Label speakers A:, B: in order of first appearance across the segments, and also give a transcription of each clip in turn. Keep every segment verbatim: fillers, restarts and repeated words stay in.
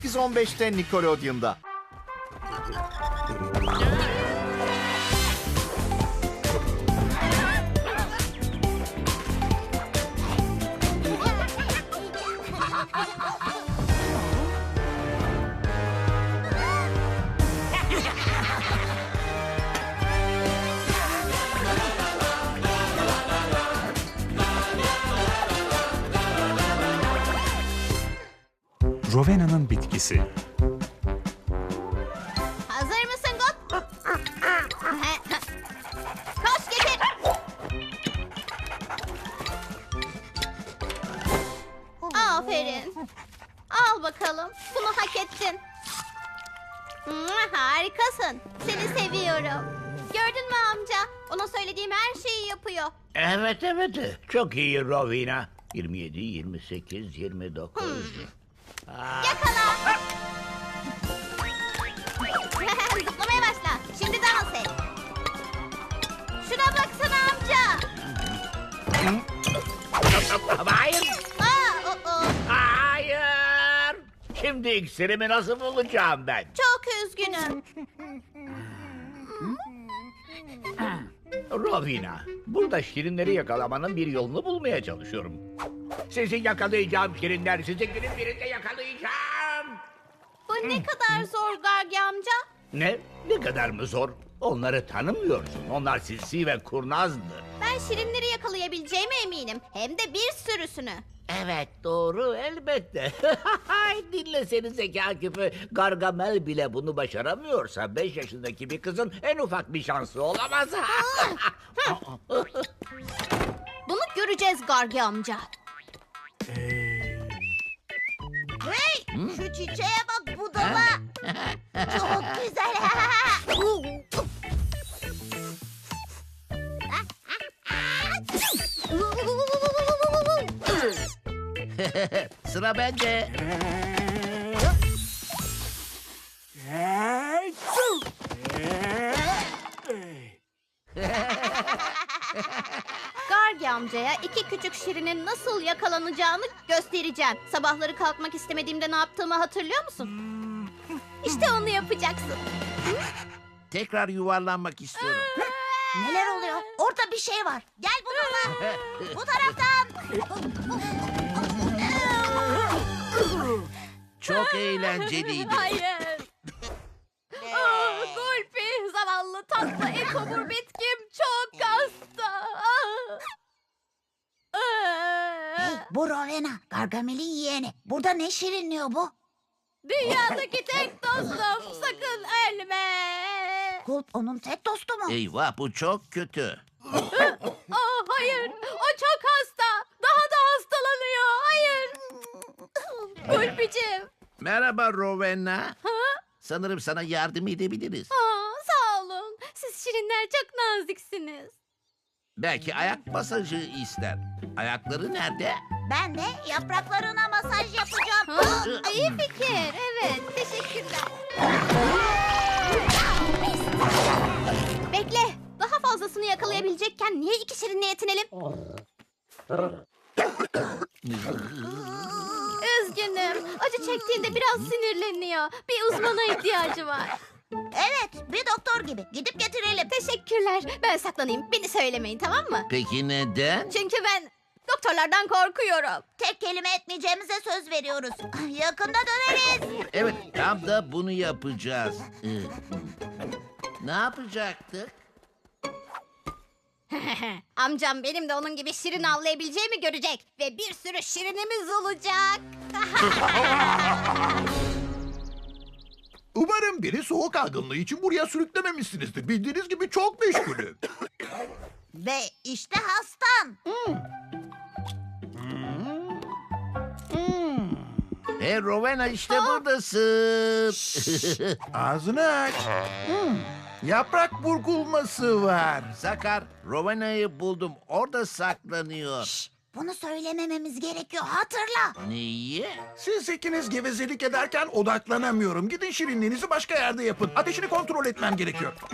A: sekiz on beşte Nickelodeon'da.
B: Rowena'nın bitkisi.
C: Hazır mısın Got? Koş getir. Aferin. Al bakalım. Bunu hak ettin. Harikasın. Seni seviyorum. Gördün mü amca? Ona söylediğim her şeyi yapıyor.
D: Evet evet. Çok iyi Rowena. yirmi yedi, yirmi sekiz, yirmi dokuz.
C: Yakala. Zıplamaya başla. Şimdi dans et. Şuna baksana amca.
D: Hayır.
C: Aa, o, o.
D: Hayır. Şimdi iksirimi nasıl bulacağım ben?
C: Çok üzgünüm.
D: Rowena, burada şirinleri yakalamanın bir yolunu bulmaya çalışıyorum. Sizi yakalayacağım şirinler, sizi günün birinde yakalayacağım.
C: Bu ne kadar zor Gargi amca.
D: Ne? Ne kadar mı zor? Onları tanımıyorsun. Onlar sinsi ve kurnazdır.
C: Ben şirinleri yakalayabileceğime eminim. Hem de bir sürüsünü.
D: Evet doğru elbette. Dinle seni zeka küpü. Gargamel bile bunu başaramıyorsa beş yaşındaki bir kızın en ufak bir şansı olamaz.
C: Bunu göreceğiz Gargi amca. Hey, şu çiçeğe bak budala. Çok güzel.
D: Sıra bende.
C: Gargi amcaya iki küçük şirinin nasıl yakalanacağını göstereceğim. Sabahları kalkmak istemediğimde ne yaptığımı hatırlıyor musun? İşte onu yapacaksın.
D: Tekrar yuvarlanmak istiyorum.
C: Neler oluyor? Orada bir şey var. Gel bununla. Bu taraftan.
D: Çok eğlenceliydi.
C: Hayır. Aa, Gulpi, zavallı tatlı ekobur bitkim çok hasta.
E: Hey, bu Rowena, Gargamel'in yeğeni. Burada ne şirinliyor bu?
C: Dünyadaki tek dostum, sakın ölme.
E: Kulp onun tek dostu mu?
D: Eyvah bu çok kötü.
C: Aa, hayır, o çok hasta. Daha da hastalanıyor. Hayır. Gulpicim.
D: Merhaba Rowena.
C: Ha?
D: Sanırım sana yardım edebiliriz.
C: Aa, sağ olun. Siz şirinler çok naziksiniz.
D: Belki ayak masajı ister. Ayakları nerede?
E: Ben de yapraklarına masaj yapacağım.
C: Ha, iyi fikir. Evet, teşekkürler. Bekle. Daha fazlasını yakalayabilecekken niye iki şirinle yetinelim? Üzgünüm. Acı çektiğinde biraz sinirleniyor. Bir uzmana ihtiyacı var.
E: Evet, bir doktor gibi. Gidip getirelim.
C: Teşekkürler. Ben saklanayım. Beni söylemeyin, tamam mı?
D: Peki neden?
C: Çünkü ben doktorlardan korkuyorum.
E: Tek kelime etmeyeceğimize söz veriyoruz. Yakında döneriz.
D: Evet tam da bunu yapacağız. Ee, Ne yapacaktık?
C: Amcam benim de onun gibi şirin avlayabileceğimi görecek. Ve bir sürü şirinimiz olacak.
F: Umarım biri soğuk algınlığı için buraya sürüklememişsinizdir. Bildiğiniz gibi çok meşgulüm.
E: Ve işte hastan.
D: Hey Rowena işte buradasın.
F: Ağzını aç. Hmm, Yaprak burkulması var.
D: Sakar, Rowena'yı buldum. Orada saklanıyor.
E: Şş, bunu söylemememiz gerekiyor. Hatırla.
D: Neyi?
F: Siz ikiniz gevezelik ederken odaklanamıyorum. Gidin şirinliğinizi başka yerde yapın. Ateşini kontrol etmem gerekiyor. Hı?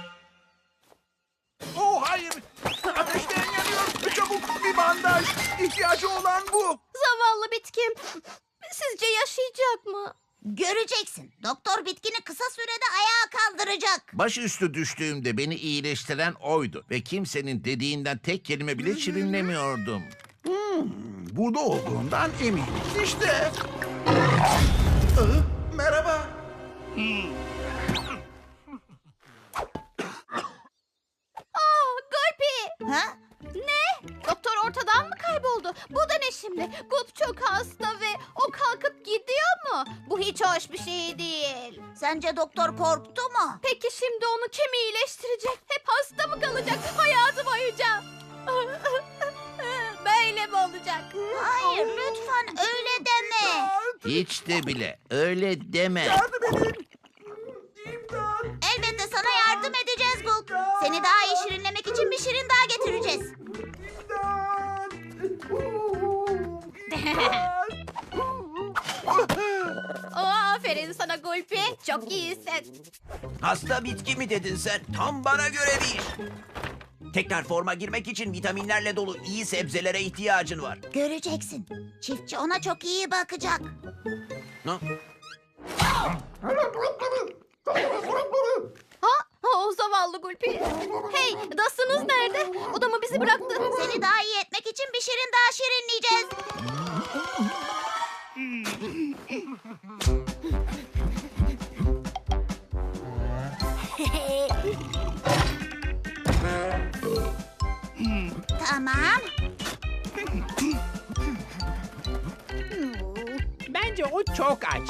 F: Oh hayır. Ateşten yanıyor. Çabuk bir bandaj. İhtiyacı olan bu.
C: Zavallı bitkim. Sizce yaşayacak mı?
E: Göreceksin. Doktor bitkini kısa sürede ayağa kaldıracak.
A: Başüstü düştüğümde beni iyileştiren oydu. Ve kimsenin dediğinden tek kelime bile şirinlemiyordum.
F: Burada olduğundan eminiz işte. Aa, merhaba.
C: Aa, Gulpi!
E: Ha?
C: Ne? Doktor ortadan mı kayboldu? Bu da ne şimdi? Gup çok hasta ve o kalkıp gidiyor mu? Bu hiç hoş bir şey değil.
E: Sence doktor korktu mu?
C: Peki şimdi onu kim iyileştirecek? Hep hasta mı kalacak hayatı boyunca? Böyle mi olacak?
E: Hayır, lütfen öyle deme.
A: Hiç de bile öyle deme.
F: Yardım edin. İmdat.
E: Elbette sana yardım edeceğiz Gulp. Seni daha iyi şirinlemek için bir şirin daha getireceğiz.
C: Oo, aferin sana Gulpi. Çok iyisin.
B: Hasta bitki mi dedin sen? Tam bana göre bir iş. Tekrar forma girmek için vitaminlerle dolu iyi sebzelere ihtiyacın var.
E: Göreceksin. Çiftçi ona çok iyi bakacak.
B: Ha?
C: Ha? Ha, o zavallı Gulpi. Hey, Dustin'ız nerede? O da mı bizi bıraktı?
E: Seni daha iyi etmek için bir şirin daha şirinleyeceğiz. Tamam.
G: Bence o çok aç.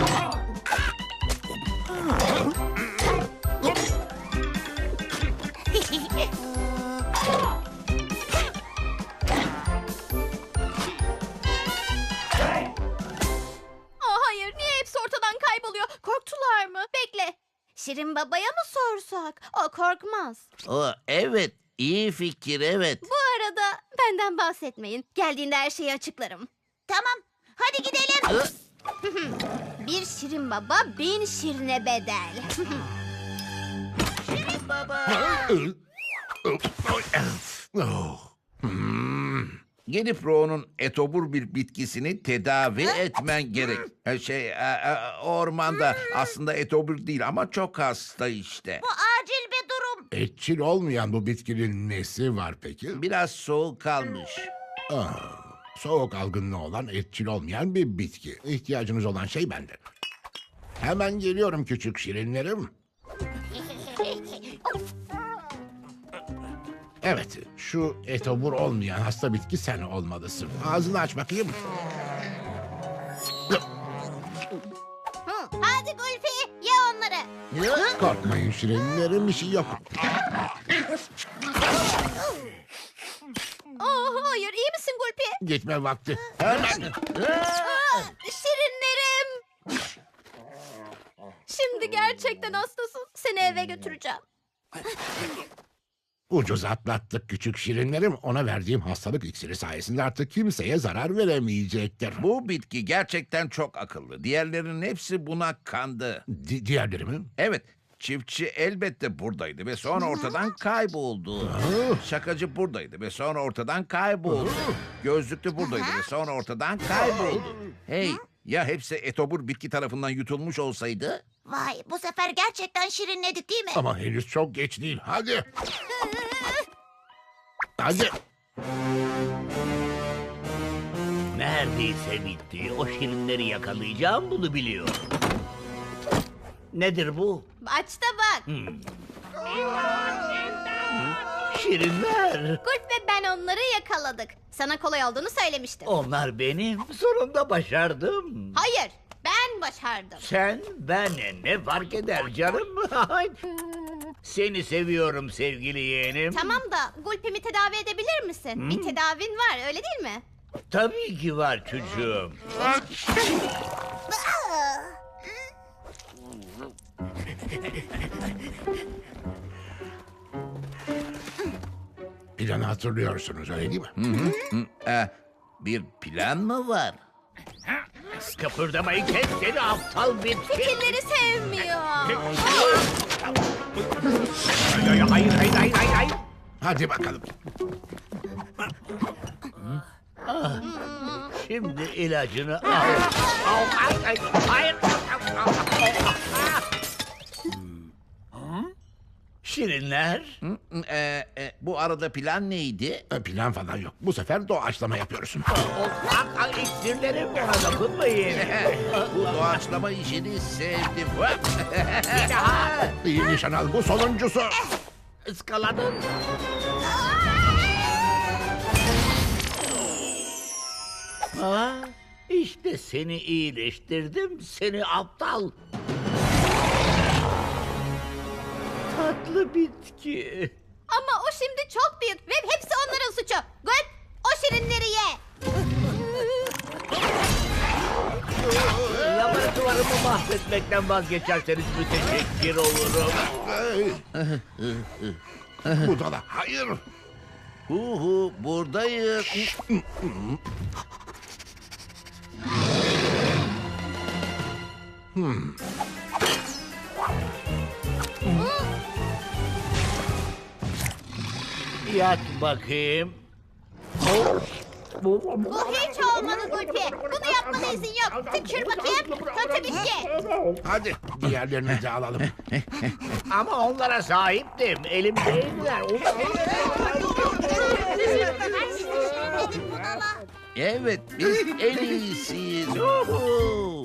C: Aa, hayır, niye hepsi ortadan kayboluyor? Korktular mı? Bekle. Şirin Baba'ya mı sorsak? O korkmaz.
A: O, evet, iyi fikir, evet.
C: Bu arada benden bahsetmeyin. Geldiğinde her şeyi açıklarım.
E: Tamam. Hadi gidelim.
C: Bir Şirin Baba bin şirine bedel.
A: Gidip Ro'nun etobur bir bitkisini tedavi etmen gerek. Ha, Şey, e, e, ormanda aslında etobur değil ama çok hasta işte.
E: Bu acil bir durum.
H: Etçil olmayan bu bitkinin nesi var peki?
A: Biraz soğuk kalmış.
H: Ah, soğuk algınlığı olan etçil olmayan bir bitki. İhtiyacınız olan şey bende. Hemen geliyorum küçük şirinlerim. Evet, şu etobur olmayan hasta bitki sen olmalısın. Ağzını aç bakayım.
C: Hı, hadi Gulfi, ye onları.
H: Korkmayın şirinlerim, bir şey yok.
C: Oh, hayır, iyi misin Gulpi?
H: Gitme vakti. Hemen.
C: Aa, şirinlerim. Şimdi gerçekten hastasın. Seni eve götüreceğim.
H: Ucuz atlattık küçük şirinlerim. Ona verdiğim hastalık iksiri sayesinde artık kimseye zarar veremeyecektir.
A: Bu bitki gerçekten çok akıllı. Diğerlerinin hepsi buna kandı.
H: Di- diğerleri mi?
A: Evet, çiftçi elbette buradaydı ve sonra ortadan kayboldu. Şakacı buradaydı ve sonra ortadan kayboldu. Gözlüklü buradaydı ve sonra ortadan kayboldu. Hey, ya hepsi etobur bitki tarafından yutulmuş olsaydı?
E: Vay, bu sefer gerçekten şirinledik değil mi?
H: Ama henüz çok geç değil. Hadi. Hadi.
D: Neredeyse bitti. O şirinleri yakalayacağım, bunu biliyorum. Nedir bu?
C: Aç da bak.
D: Şirinler.
C: Gulp ve ben onları yakaladık. Sana kolay olduğunu söylemiştim.
D: Onlar benim. Sonunda başardım.
C: Hayır, ben başardım.
D: Sen, ben, ne fark eder canım? Seni seviyorum sevgili yeğenim.
C: Tamam da Gulp'imi tedavi edebilir misin? Bir tedavin var, öyle değil mi?
D: Tabii ki var çocuğum.
H: Planı hatırlıyorsunuz öyle değil mi?
A: Ee, bir plan mı var?
D: Kıpırdamayı kes seni aptal bitki.
C: Fikirleri sevmiyor.
D: Hayır hayır hayır hayır hayır.
H: Hadi bakalım.
D: Şimdi ilacını al. Al, ay, ay, hayır. Şirinler.
A: Hı, e, e, bu arada plan neydi?
H: E, Plan falan yok. Bu sefer doğaçlama yapıyoruz.
D: O ak ak iksirlerim ona dokunmayın.
A: Bu doğaçlama işini sevdim.
D: Bir daha.
H: İyi nişan al. Bu sonuncusu.
D: Iskaladın. Ha, işte seni iyileştirdim, seni aptal. Tatlı bitki.
C: Ama o şimdi çok büyük ve hepsi onların suçu. Gwen, o şirinleri ye.
D: Laboratuvarımı mahvetmekten vazgeçerseniz müteşekkir olurum.
H: Budala. Hayır.
A: Hu hu buradayım.
D: Yat bakayım.
C: Bu hiç olmadı Gulpi. Bunu yapmana izin yok. Tükür bakayım. Kötü bitki.
H: Hadi diğerlerini de alalım.
D: Ama onlara sahiptim. Elimdeydiler.
A: Evet biz en iyisiyiz. Hu hu.